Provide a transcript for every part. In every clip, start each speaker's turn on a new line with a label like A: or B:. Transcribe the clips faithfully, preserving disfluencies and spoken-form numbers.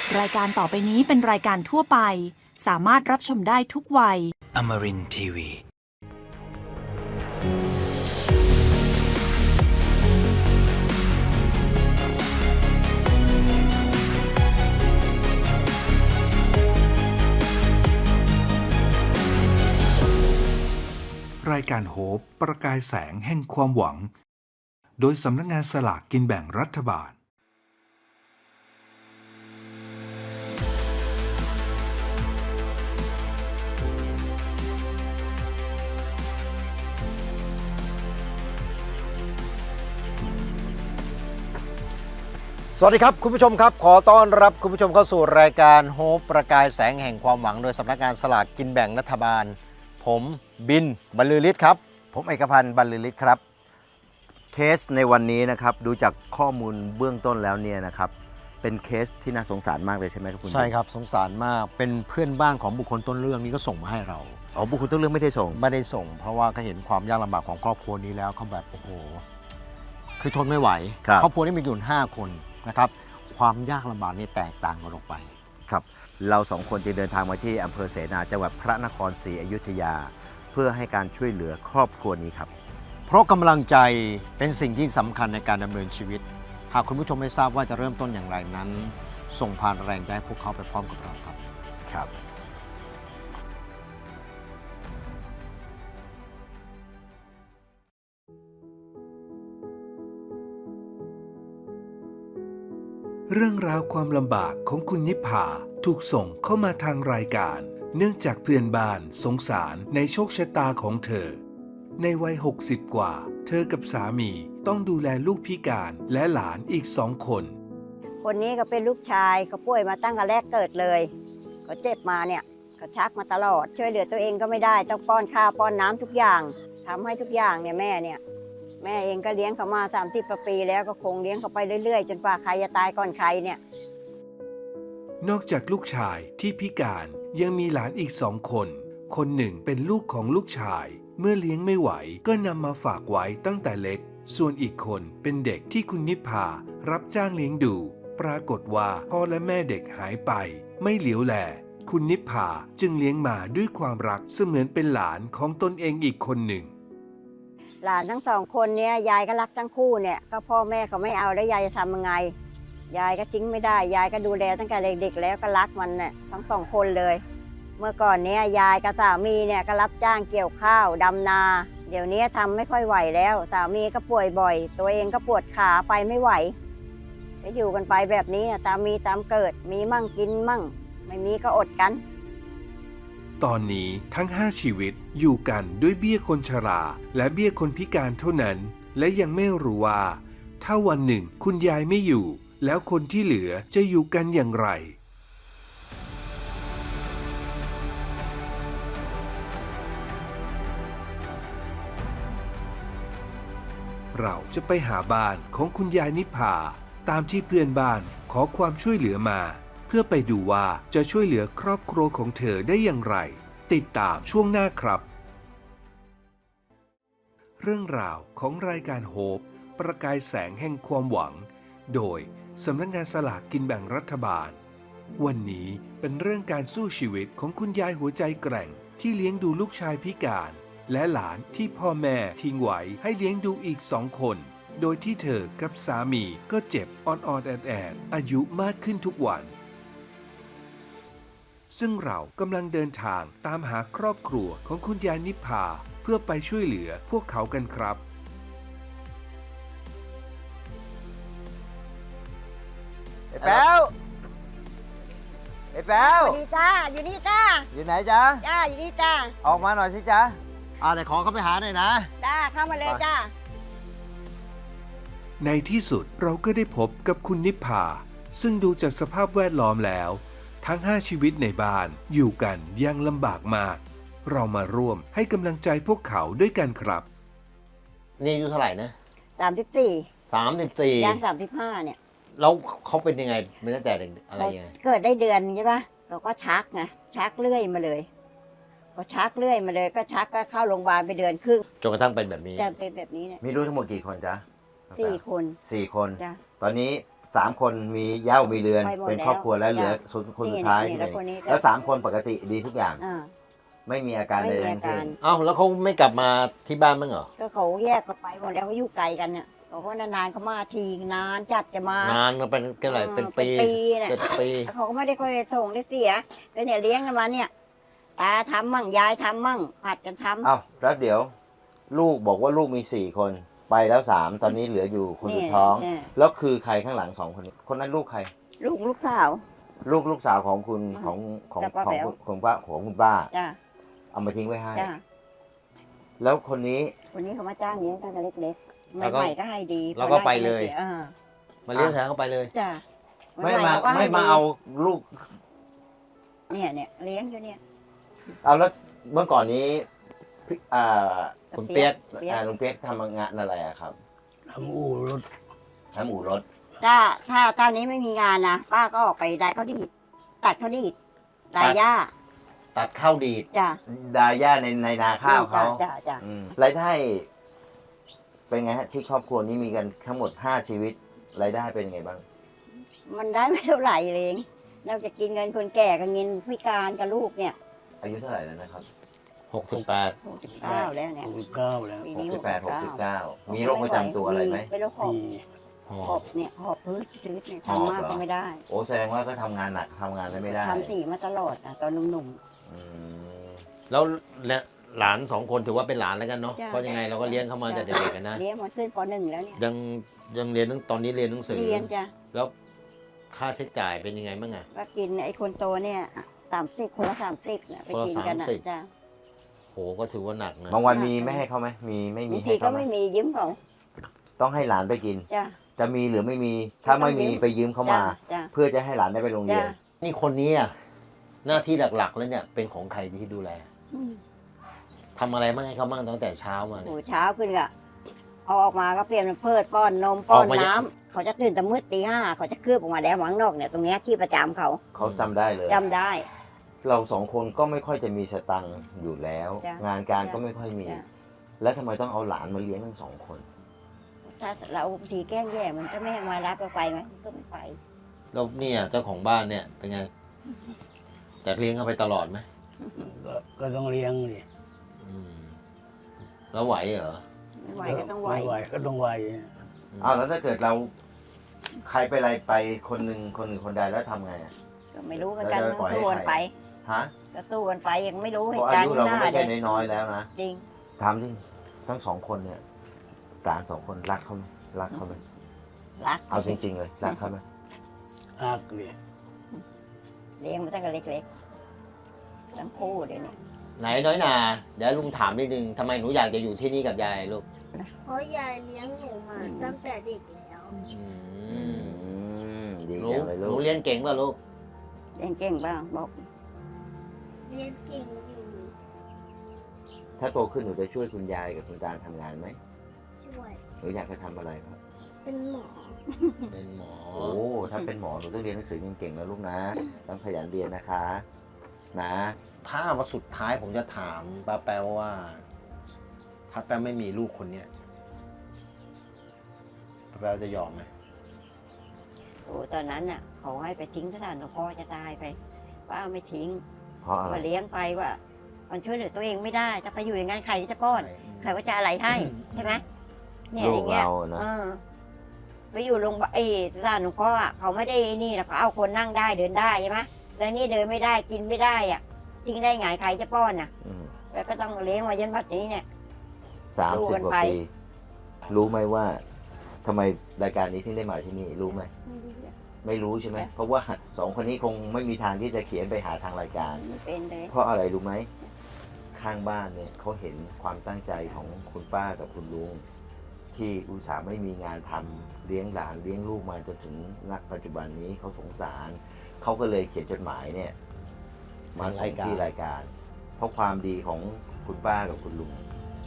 A: รายการต่อไปนี้เป็นรายการทั่วไปสามารถรับชมได้ทุกวัย
B: Amarin ที วี
C: รายการโฮปประกายแสงแห่งความหวังโดยสำนักงานสลากกินแบ่งรัฐบาล
D: สวัสดีครับคุณผู้ชมครับขอต้อนรับคุณผู้ชมเข้าสู่รายการโฮปประกายแสงแห่งความหวังโดยสำนักงานสลากกินแบ่งรัฐบาลผมบินบรรลือฤทธิ์ครับผมเอกพันธ์บรรลือฤทธิ์ครับเคสในวันนี้นะครับดูจากข้อมูลเบื้องต้นแล้วเนี่ยนะครับเป็นเคสที่น่าสงสารมากเลยใช่ไหมครับคุณใช่ครับสงสารมากเป็นเพื่อนบ้านของบุคคลต้นเรื่องนี้ก็ส่งมาให้เราอ๋อบุคคลต้นเรื่องไม่ได้ส่งไม่ได้ส่งเพราะว่าเขาเห็นความยากลำบากของครอบครัวนี้แล้วเขาแบบโอ้โหคือทนไม่ไหวครอบครัวนี้มีอยู่ห้าคนนะครับความยากลำบากนี่แตกต่างกันออกไปครับเราสองคนจะเดินทางมาที่อำเภอเสนาจังหวัดพระนครศรีอยุธยาเพื่อให้การช่วยเหลือครอบครัวนี้ครับเพราะกำลังใจเป็นสิ่งที่สำคัญในการดำเนินชีวิตหากคุณผู้ชมไม่ทราบว่าจะเริ่มต้นอย่างไรนั้นส่งผ่านแรงใจให้พวกเขาไปพร้อมกับเราครับครับ
C: เรื่องราวความลำบากของคุณนิพพาถูกส่งเข้ามาทางรายการเนื่องจากเพื่อนบ้านสงสารในโชคชะตาของเธอในวัยหกสิบกว่าเธอกับสามีต้องดูแลลูกพิการและหลานอีกสองคน
E: คนนี้ก็เป็นลูกชายเขาป่วยมาตั้งแต่แรกเกิดเลยเขาเจ็บมาเนี่ยเขาชักมาตลอดช่วยเหลือตัวเองก็ไม่ได้ต้องป้อนข้าวป้อนน้ำทุกอย่างทำให้ทุกอย่างเนี่ยแม่เนี่ยแม่เองก็เลี้ยงเขามาสามสิบกว่าปีแล้วก็คงเลี้ยงเขาไปเรื่อยๆจนกว่าใครจะตายก่อนใครเนี่ย
C: นอกจากลูกชายที่พิการยังมีหลานอีกสองคนคนหนึ่งเป็นลูกของลูกชายเมื่อเลี้ยงไม่ไหวก็นำมาฝากไว้ตั้งแต่เล็กส่วนอีกคนเป็นเด็กที่คุณนิพพารับจ้างเลี้ยงดูปรากฏว่าพ่อและแม่เด็กหายไปไม่เหลียวแลคุณนิพพาจึงเลี้ยงมาด้วยความรักเสมือนเป็นหลานของตนเองอีกคนหนึ่ง
E: หลานทั้งสองคนเนี่ยยายก็รักทั้งคู่เนี่ยก็พ่อแม่เขาไม่เอาแล้วยายจะทำยังไงยายก็ทิ้งไม่ได้ยายก็ดูแลตั้งแต่เด็กๆแล้วก็รักมันเนี่ยทั้งสองคนเลยเมื่อก่อนเนี้ยยายกับสามีเนี่ยก็รับจ้างเกี่ยวข้าวดำนาเดี๋ยวนี้ทำไม่ค่อยไหวแล้วสามีก็ป่วยบ่อยตัวเองก็ปวดขาไปไม่ไหวก็อยู่กันไปแบบนี้ตามมีตามเกิดมีมั่งกินมั่งไม่มีก็อดกัน
C: ตอนนี้ทั้งห้าชีวิตอยู่กันด้วยเบี้ยคนชราและเบี้ยคนพิการเท่านั้นและยังไม่รู้ว่าถ้าวันหนึ่งคุณยายไม่อยู่แล้วคนที่เหลือจะอยู่กันอย่างไรเราจะไปหาบ้านของคุณยายนิพพาตามที่เพื่อนบ้านขอความช่วยเหลือมาเพื่อไปดูว่าจะช่วยเหลือครอบครัวของเธอได้อย่างไรติดตามช่วงหน้าครับเรื่องราวของรายการโฮปประกายแสงแห่งความหวังโดยสำนักงานสลากกินแบ่งรัฐบาลวันนี้เป็นเรื่องการสู้ชีวิตของคุณยายหัวใจแกร่งที่เลี้ยงดูลูกชายพิการและหลานที่พ่อแม่ทิ้งไว้ให้เลี้ยงดูอีกสองคนโดยที่เธอกับสามีก็เจ็บอ่อนๆแอดๆอายุมากขึ้นทุกวันซึ่งเรากำลังเดินทางตามหาครอบครัวของคุณยายนิพพาเพื่อไปช่วยเหลือพวกเขากันครับ
D: ไอ้แป๊วไอ้แป๊ว
E: สวัสดีจ้าอยู่นี่จ้า
D: อยู่ไหนจ๊ะ
E: จ้าอยู่นี่จ้า
D: ออกมาหน่อยสิจ๊ะอ่าเดี๋ยวขอเขาไปหาหน่อยนะ
E: จ้าเข้ามาเลยจ้า
C: ในที่สุดเราก็ได้พบกับคุณนิพพาซึ่งดูจากสภาพแวดล้อมแล้วทั้งห้าชีวิตในบ้านอยู่กันยังลำบากมากเรามาร่วมให้กำลังใจพวกเขาด้วยกันครับ
D: นี่อายุเท่าไหร่นะ
E: สามสิบสี่
D: สามสิบสี่
E: ย่างสามสิบห้าเนี่ย
D: แล้วเขาเป็นยังไงเป็นตั้งแต่อะไรยังไง
E: เกิดได้เดือนใช่ปะเราก็ชักไงชักเรื่อยมาเลยก็ชักเรื่อยมาเลยก็ชักก็เข้าโรงพยาบาลไปเดือนครึ่ง
D: จนกระทั่งเป็นแบบนี้
E: จะเป็นแบบนี้เนี่ย
D: มีลูกทั้งหมดกี่คนจ๊ะ
E: สี่คน
D: สี่คนตอนนี้สามคนมีเหย้ามีเรือน
E: ไปหมด
D: เป็นครอบครัวแล้วเหลือ
E: จ้ะ
D: คนคน
E: นี่
D: สุดท้าย
E: นี่
D: ใช่ไหม
E: แล้วคนนี้ก็
D: แล้วสามคนปกติดีทุกอย่าง
E: อ่า
D: ไม่มีอาการ
E: ไม่
D: ใด
E: มี
D: ๆทั้งสิ้น
E: อาการ
D: เอ้าแล้วเขาไม่กลับมาที่บ้านบ้างเหรอ
E: ก็เขาแยกกันไปหมดแล้วเขาอยู่ไกลกันเนี่ยเขาก็นานๆเขามาทีนานจัดจะมาน
D: านมาเป็นกันไรเป็นปี
E: เป็นปีเนี่ย
D: เป็นปี
E: แล้วเขาก็ไม่ได้ค่อยได้ส่งได้เสียก็เนี่ยเลี้ยงกันมาเนี่ยตาทำมั่งยายทำมั่งผัดกันทำ
D: เอ้าแล้วเดี๋ยว ลูกบอกว่าลูกมีสี่คนไปแล้วสามตอนนี้เหลืออยู่คนสุดท้อง
E: เนี่ย
D: แล้วคือใครข้างหลังสองคนนี้คนนั้นลูกใคร
E: ลูกลูกสาว
D: ลูกลูกสาวของคุณ
E: อืม
D: ของของ
E: แต่ป้า
D: ของ
E: แป๋ว
D: คุณของป้าของคุณป้า
E: จ้า
D: เอามาทิ้งไว้ให้
E: จ้า
D: แล้วคนนี้
E: คนนี้เขามาจ้างเลี้ยงตั้งแต่เล็กๆ
D: แล้วก็
E: ใหม่ๆก็ให้ดี
D: แล้วก็
E: พอด้
D: ไปเลย
E: สีอ่า
D: มาเลี้ยงแทนเข้าไปเลย
E: จ้า
D: ไม่
E: ให
D: มา
E: ๆขก็ให้
D: ไม่มา
E: ดี
D: เอาลูก
E: เนี่ยเนี่ยเลี้ยงอยู่เนี่ย
D: เอาแล้วเมื่อก่อนนี้พี่อ่าคุณเปียก
E: เปี๊ยก
D: อ่าลุงเปียกทำงานอะไรอะครับ
B: ทำอู่รถ
D: ทำอู่รถ
E: ถ้าถ้าตอนนี้ไม่มีงานนะป้าก็ออกไปได้ข้าวดีดตัดข้าวดีดดายหญ้า
D: ตัดข้าวดีด
E: จ้า
D: ดาย่าในในนาข้าวเขา
E: จ้าจ้า
D: อืมรายได้ เป็นไงฮะที่ครอบครัวนี้มีกันทั้งหมดห้าชีวิตรายได้เป็นไงบ้าง
E: มันได้ไม่เท่าไหร่เลยนอกจากกินเงินคนแก่กับเงินพิการกับลูกเนี่ย
D: อายุเท่าไหร่แล้วนะครับหกสิบแปด
E: หกสิบเก้าแล้วเนี่ย
B: หกเก้าแล้ว
E: ปี
D: หก
E: นี้
D: สิบแปดหกสิบ
E: หก
D: เก้ามีโรคประจำตัวอะไรไหม
E: เป็นโรคหอบ
B: มี
D: หอ
E: หอ
D: บบ
E: เนี่ยหอบพื้นชื้นเนี่ย
D: หอบ
E: ทำมาก
D: เหรอ
E: ก็ไม่ได้
D: โอ้แสดงว่าก็ทำงานหนักทำงานได้ไม่ได้
E: ทำสีมาตลอดอ่ะตอนหนุ่ม
D: อืม
F: แล้วและหลานสองคนถือว่าเป็นหลานแล้วกันเนาะ
E: จ้ะ
F: เพราะยังไงเราก็เลี้ยงเขามา
E: จ้ะ
F: แต่เด็กๆกันนะ
E: ๆเลี้ยงมาขึ้นปหนึ่งแล้วเนี่ย
F: ยังยังเรียนหนังตอนนี้เรียนหนังสือ
E: เรียนจ้ะ
F: แล้วค่าใช้จ่ายเป็นยังไงบ้างอะ
E: ก็กินไอ้คนโตเนี่ยสามสิบคนละสามสิบเนี่ยไปกินกันอ่ะ
F: คนละสามสิบ
E: จ้ะ
F: โหก็ถือว่าหนักนะ
D: บางวันมีไม่ให้เขาไหมมีไม่มี
E: บาง
D: ให้
E: ทีก็
D: เขาไหม
E: ไม่มียืมเขา
D: ต้องให้หลานไปกิน
E: จ้ะ
D: จะมีหรือไม่มี ถ้าไม่มีไปยืมเขามา
E: จ้ะจ้ะ
D: เพื่อจะให้หลานได้ไปโรงเรียน
E: จ้ะ
F: นี่คนนี้อะหน้าที่หลักๆแล้วเนี่ยเป็นของใครที่ดูแล
E: อืม
F: ทำอะไรบ้างให้เขาบ้างตั้งแต่เช้ามา
E: โอ้
F: เนี่ย
E: เช้าขึ้นก็เอาออกมาก็เปลี่ยนเป็นเพิดป้อนนมป้อน
F: ออกมา
E: น้ำเขาจะตื่นแต่มืดตีห้าเขาจะคืบออกมาแล้วหวังนอกเนี่ยตรงเนี้ยที่ประจำเขา
D: เขาจำได้เลย
E: จำได้
D: เราสองคนก็ไม่ค่อยจะมีสตังค์อยู่แล้ว
E: จ้ะ
D: งานการ
E: จ้ะ
D: ก็ไม่ค่อยมี
E: จ้ะ
D: แล้วทำไมต้องเอาหลานมาเลี้ยงทั้งสองคน
E: ถ้าเราบางทีแกล้งแย่มันก็ไม่ให้มารับเราไปไหมมันก็ไม่ไป
F: แล้วเนี่ยเจ้าของบ้านเนี่ยเป็นไงจะเลี้ยงเขาไปตลอดไหม
B: ก็ก็ต้องเลี้ยงดิ
F: อืมแล้วไหวเหรอ
E: ไม่ไหวก็ต้องไหว
B: ไม่ไหวก็ต้องไหว
D: อ้าวแล้วถ้าเกิดเราใครไปอะไรไปคนหนึ่งคนหนึ่งคนใดแล้วทำไงอะ
E: ก็ไม่รู้เหมือนกัน
D: แล้วจะ
E: ต้อง
D: ปล่อยให้
E: สู้กัน
D: ใคร
E: ไป
D: ฮะ
E: ก็สู้กันไปยังไม่รู้
D: เพ
E: เห
D: ราะ
E: ตุ
D: อา
E: การณ์
D: ยุ
E: ข้าง
D: เรา
E: ห
D: ก็
E: น้า
D: ไม่
E: เล
D: ใช่
E: ย
D: น้อยๆแล้วนะ
E: จริง
D: ถามที่ทั้งสองคนเนี่ยหลานสองคนรักเขาไหมรักเขาไหม
E: รัก
D: เอาจริง ๆ เลยรักเขาไหม
B: อักดิ
E: เลี้ยงมาตั้งแต่เล็กๆทั้งคู่เลยเนี่ย
F: ไหนน้อยนาเดี๋ยวลุงถามนิดนึงทำไมหนูอยากจะอยู่ที่นี่กับยายลูก
G: เพราะยายเลี้ยงหนูมาตั้งแต่เด็กแล้ว
F: อื
D: อื
F: ม
D: มดี
F: หนู
D: จังเลย
F: ห
D: ลู
F: นู
D: ก
F: เรียนเก่งป่ะลูก
E: เลี้ยงเก่งบ้างบอก
G: เรียนเก่งอยู่
D: ถ้าโตขึ้นหนูจะช่วยคุณยายกับคุณตาทำงานไหม
G: ช่วย
D: หนูอยากจะทำอะไรครับ
G: เป็นหมอ
F: เป็นหมอ
D: โอ้ ถ้าเป็นหมอหนูต้องเรียนหนังสือเก่งๆนะลูกนะ ต้องขยันเรียนนะคะ นะ
F: ถ้ามาสุดท้ายผมจะถามป้าแป๊วว่า ถ้าแป๊วไม่มีลูกคนเนี้ยป้าแป๊วจะยอมไหม
E: โอ้ตอนนั้นน่ะเขาให้ไปทิ้งสถานสงเคราะห์จะตายไปป้าไม่ทิ้ง
D: เพราะอะไร
E: มาเลี้ยงไปว่า มันช่วยเหลือตัวเองไม่ได้ถ้าไปอยู่อย่างนั้นใครจะป้อนใครก็จะอะไรให้ใช่ไหมเนี่ย
D: ลู
E: อก ย่างเงี้ย
D: เรานะ
E: เออไปอยู่โรงพยาบาลเออสถานสงเคราะห์อะเขาไม่ได้นี่หรอกเขาเอาคนนั่งได้เดินได้ใช่ไหมแล้วนี่เดินไม่ได้กินไม่ได้อ่ะจริงได้ไงใครจะป้อนอ่ะ
D: อืม
E: แล้วก็ต้องเลี้ยงมายันบัดนี้เนี่ย
D: สาม
E: ดู
D: สิบ
E: กัน
D: กว่า
E: ไป
D: ปี รู้ไหมว่าทำไมรายการนี้ถึงได้มาที่นี่ รู้ไหม ไม่รู้ใช่ไหม เพราะว่าสองคนนี้คงไม่มีทางที่จะเขียนไปหาทางรายการ
E: ไม่เป็นเลย
D: เพราะอะไรรู้ไหม ข้างบ้านเนี่ยเขาเห็นความตั้งใจของคุณป้ากับคุณลุง ที่อุตส่าห์ไม่มีงานทำเลี้ยงหลานเลี้ยงลูกมาจนถึงณปัจจุบันนี้เขาสงสารเขาก็เลยเขียนจดหมายเนี่ย มาส่งที่รายการ เพราะความดีของคุณป้ากับคุณลุง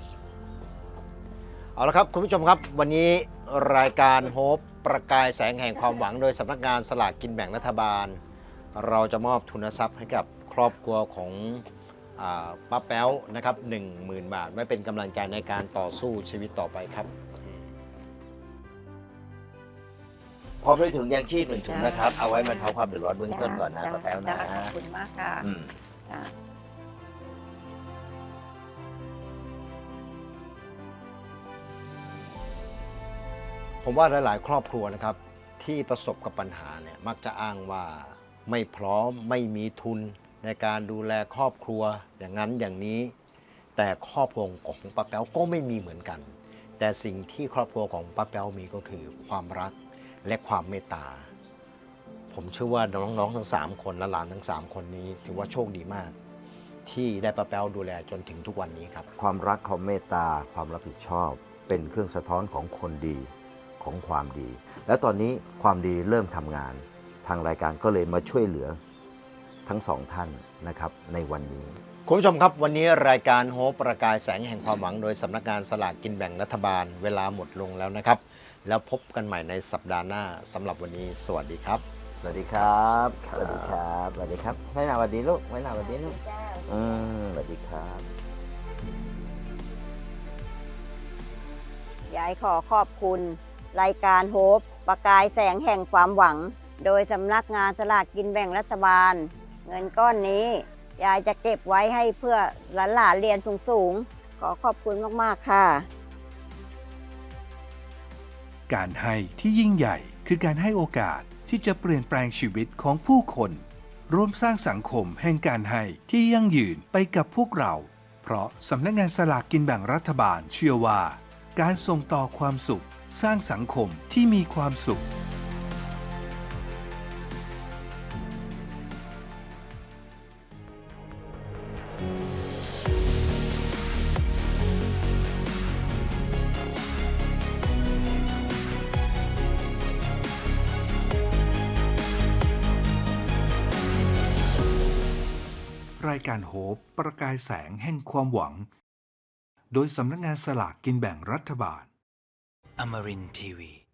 D: เอาละครับคุณผู้ชมครับ วันนี้รายการโฮปประกายแสงแห่งความหวังโดยสำนักงานสลากกินแบ่งรัฐบาล เราจะมอบทุนทรัพย์ให้กับครอบครัวของอาป้าแป๊วนะครับหนึ่งหมื่นบาทไว้เป็นกำลังใจในการต่อสู้ชีวิตต่อไปครับ
F: พร้อมด้วยถุงยางชีพหนึ่งถุงนะครับ เอาไว้บรรเทาความเดือดร้อนเบื้องต้นก่อนนะ
E: จ้
F: ป้าแป๊วนะ
E: จ้ขอบคุณมากค่ะ
F: อืม
E: จ้ะ
D: ผมว่าหลาย ๆ ครอบครัวนะครับ ที่ประสบกับปัญหาเนี่ยมักจะอ้างว่าไม่พร้อมไม่มีทุนในการดูแลครอบครัวอย่างนั้นอย่างนี้ แต่ครอบครัวของป้าแป๊วก็ไม่มีเหมือนกัน แต่สิ่งที่ครอบครัวของป้าแป๊วมีก็คือความรักและความเมตตา ผมเชื่อว่าน้องๆทั้งสามคนและหลานทั้งสามคนนี้ถือว่าโชคดีมาก ที่ได้ป้าแป๊วดูแลจนถึงทุกวันนี้ครับ
H: ความรักความเมตตาความรับผิดชอบ เป็นเครื่องสะท้อนของคนดีของความดี และตอนนี้ความดีเริ่มทำงาน ทางรายการก็เลยมาช่วยเหลือทั้งสองท่านนะครับในวันนี้
D: คุณผู้ชมครับวันนี้รายการโฮปประกายแสงแห่งความหวังโดยสำนักงานสลากกินแบ่งรัฐบาลเวลาหมดลงแล้วนะครับ แล้วพบกันใหม่ในสัปดาห์หน้าสำหรับวันนี้สวัสดีครับ
H: สวัสดีครับสวัสดีครับสวัสดีครับไม่นาสวัสดีลูกไม่นาสวัสดีลูก
E: จ้า
H: อืมสวัสดีครับ
E: ยายขอขอบคุณ รายการโฮปประกายแสงแห่งความหวัง โดยสำนักงานสลากกินแบ่งรัฐบาล เงินก้อนนี้ ยายจะเก็บไว้ให้เพื่อหลานๆเรียนสูงๆ ขอขอบคุณมากๆค่ะ
C: การให้ที่ยิ่งใหญ่คือการให้โอกาสที่จะเปลี่ยนแปลงชีวิตของผู้คน ร่วมสร้างสังคมแห่งการให้ที่ยั่งยืนไปกับพวกเรา เพราะสำนักงานสลากกินแบ่งรัฐบาลเชื่อว่า การส่งต่อความสุข สร้างสังคมที่มีความสุข รายการโฮปประกายแสงแห่งความหวัง โดยสำนักงานสลากกินแบ่งรัฐบาล
I: Amarin Tiwi